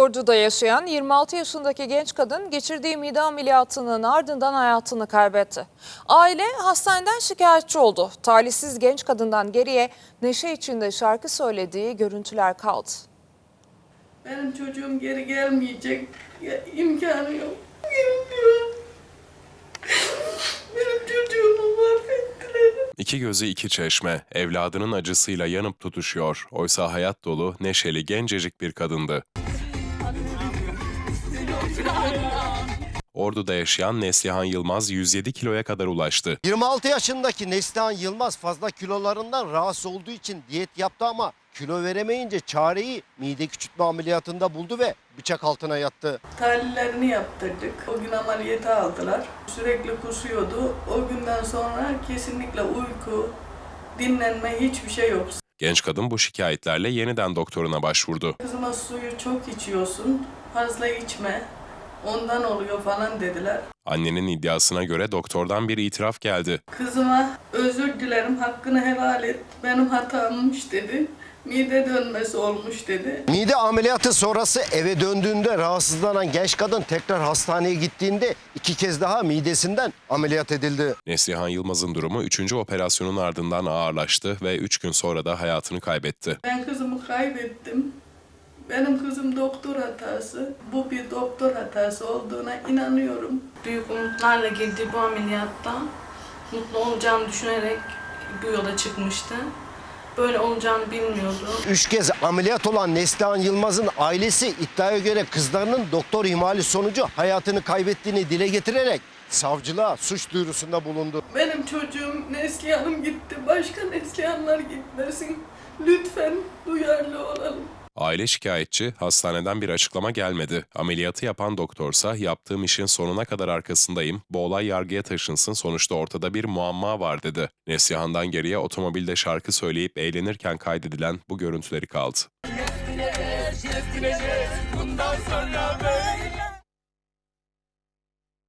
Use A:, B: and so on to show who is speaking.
A: Ordu'da yaşayan 26 yaşındaki genç kadın geçirdiği mide ameliyatının ardından hayatını kaybetti. Aile hastaneden şikayetçi oldu. Talihsiz genç kadından geriye neşe içinde şarkı söylediği görüntüler kaldı.
B: Benim çocuğum geri gelmeyecek. İmkanı yok. Gelmiyor. Benim çocuğumu mahvettiler.
C: İki gözü iki çeşme, evladının acısıyla yanıp tutuşuyor. Oysa hayat dolu, neşeli, gencecik bir kadındı. Ordu'da yaşayan Neslihan Yılmaz 107 kiloya kadar ulaştı.
D: 26 yaşındaki Neslihan Yılmaz fazla kilolarından rahatsız olduğu için diyet yaptı ama kilo veremeyince çareyi mide küçültme ameliyatında buldu ve bıçak altına yattı.
B: Tahlillerini yaptırdık. O gün ameliyata aldılar. Sürekli kusuyordu. O günden sonra kesinlikle uyku, dinlenme hiçbir şey yok.
C: Genç kadın bu şikayetlerle yeniden doktoruna başvurdu.
B: Kızıma suyu çok içiyorsun, fazla içme. Ondan oluyor falan dediler.
C: Annenin iddiasına göre doktordan bir itiraf geldi.
B: Kızıma özür dilerim, hakkını helal et. Benim hatammış dedi. Mide dönmesi olmuş dedi.
D: Mide ameliyatı sonrası eve döndüğünde rahatsızlanan genç kadın tekrar hastaneye gittiğinde 2 kez daha midesinden ameliyat edildi.
C: Neslihan Yılmaz'ın durumu 3. operasyonun ardından ağırlaştı ve 3 gün sonra da hayatını kaybetti.
B: Ben kızımı kaybettim. Benim kızım doktor hatası. Bu bir doktor hatası olduğuna inanıyorum.
E: Büyük umutlarla girdiği bu ameliyatta mutlu olacağını düşünerek bu yola çıkmıştı. Böyle olacağını bilmiyordu.
D: 3 kez ameliyat olan Neslihan Yılmaz'ın ailesi iddiaya göre kızlarının doktor ihmali sonucu hayatını kaybettiğini dile getirerek savcılığa suç duyurusunda bulundu.
B: Benim çocuğum Neslihan'ım gitti. Başka Neslihanlar gitmesin. Lütfen duyarlı olalım.
C: Aile şikayetçi, hastaneden bir açıklama gelmedi. Ameliyatı yapan doktorsa yaptığım işin sonuna kadar arkasındayım, bu olay yargıya taşınsın, sonuçta ortada bir muamma var dedi. Neslihan'dan geriye otomobilde şarkı söyleyip eğlenirken kaydedilen bu görüntüleri kaldı.
F: Bundan sonra